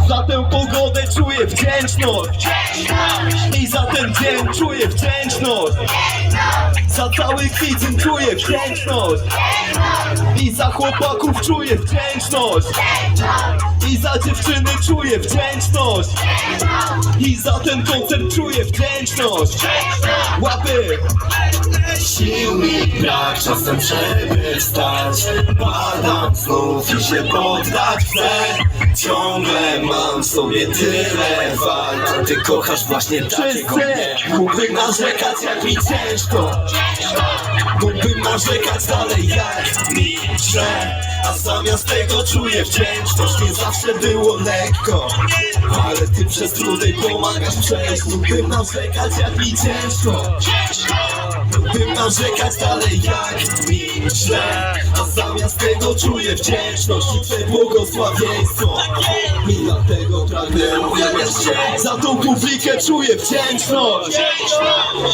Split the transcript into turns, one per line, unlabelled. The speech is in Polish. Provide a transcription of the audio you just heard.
Za tę pogodę czuję wdzięczność i za ten dzień czuję wdzięczność. Za cały kwiecień czuję wdzięczność i za chłopaków czuję wdzięczność i za dziewczyny czuję wdzięczność i za ten koncert czuję wdzięczność. Łapy!
Sił mi brak, czasem żeby wstać. Padam znów i się poddać chcę. Ciągle mam w sobie tyle walk, a ty kochasz właśnie takiego mnie. Mógłbym narzekać jak mi ciężko, mógłbym narzekać dalej jak mi źle, a zamiast tego czuję wdzięczność. Nie zawsze było lekko, ale ty przez trudy pomagasz przejść. Mógłbym narzekać jak mi ciężko, mógłbym narzekać dalej jak mi źle, a zamiast tego czuję wdzięczność i Twe błogosławieństwo. I dlatego pragnę uwielbiać Cię.
Za tą publikę czuję wdzięczność.